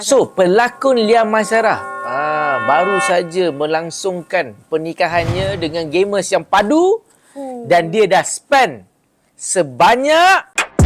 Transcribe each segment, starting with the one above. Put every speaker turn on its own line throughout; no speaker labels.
So, pelakon Lia Maisarah baru saja melangsungkan pernikahannya dengan gamers yang padu dan dia dah spend sebanyak...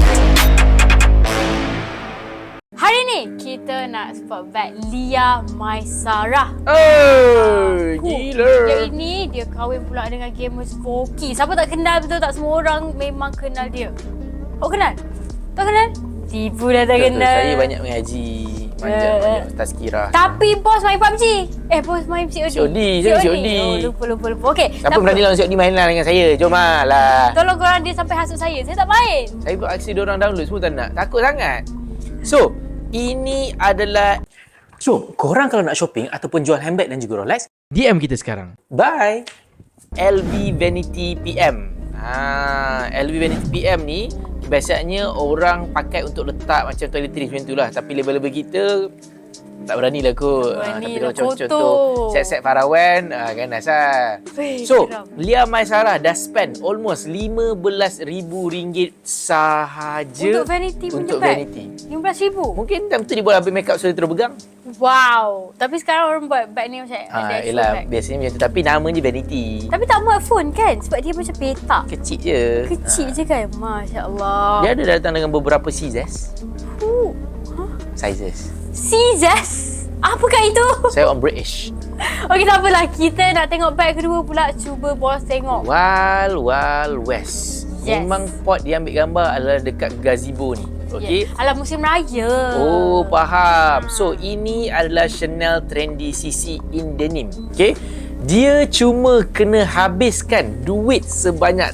Hari ni kita nak spotlight Lia Maisarah.
Gila.
Yang ini dia kahwin pula dengan gamers Voki. Siapa tak kenal betul tak? Semua orang memang kenal dia. Awak kenal? Tak kenal? Tipu dah tak kenal.
Saya banyak mengaji macam tazkirah.
Tapi bos main PUBG. Bos main COD.
COD, saya COD.
Oh, lupa. Okey.
Siapa berani lawan COD mainlah dengan saya? Jom lah.
Tolong korang dia sampai hasut saya. Saya tak main.
Saya buat aksi diorang download semua tak nak. Takut sangat. So, ini adalah... So, korang kalau nak shopping ataupun jual handbag dan juga Rolex, DM kita sekarang. Bye. LV Vanity PM. LV Vanity PM ni biasanya orang pakai untuk letak macam toiletries macam tu lah. Tapi label-label kita tak berani lah kot. Tapi kalau contoh set-set Farawan kan asal. So, Lia Maisarah dah spend almost RM15,000 sahaja
untuk vanity punya
untuk
bag?
vanity.
RM15,000?
Mungkin time tu dia buat habis make up sudah terus pegang.
Wow. Tapi sekarang orang buat bag ni macam ada
yelah,
bag.
biasanya macam tu. Tapi nama je vanity.
Tapi tak muat phone kan? Sebab dia macam petak.
Kecil je.
Kecil je kan? Masya Allah.
Dia ada datang dengan beberapa sizes. Sizes.
Scissors? Apakah itu?
Saya orang British.
Okey, tak apalah. Kita nak tengok bag kedua pula. Cuba bos tengok.
Wild West.
Yes.
Memang pot dia ambil gambar adalah dekat gazebo ni. Okey.
Yeah. Alah, musim raya.
Oh, faham. So, ini adalah Chanel Trendy CC in Denim. Okey. Dia cuma kena habiskan duit sebanyak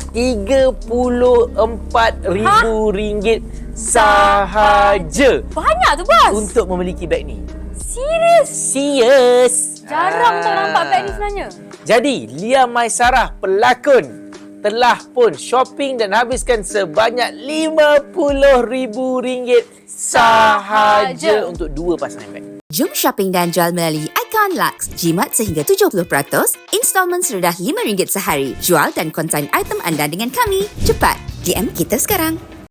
RM34,000 sahaja.
Banyak tu, bos.
Untuk memiliki beg ni.
Serius? Jarang tau nampak bag ni sebenarnya.
Jadi, Lia Maisarah, pelakon, telah pun shopping dan habiskan sebanyak RM50,000 sahaja untuk dua pasang beg.
Jom shopping dan jual melalui Icon Lux. Jimat sehingga 70%, installmen serendah RM5 sehari. Jual dan konsign item anda dengan kami. Cepat, DM kita sekarang.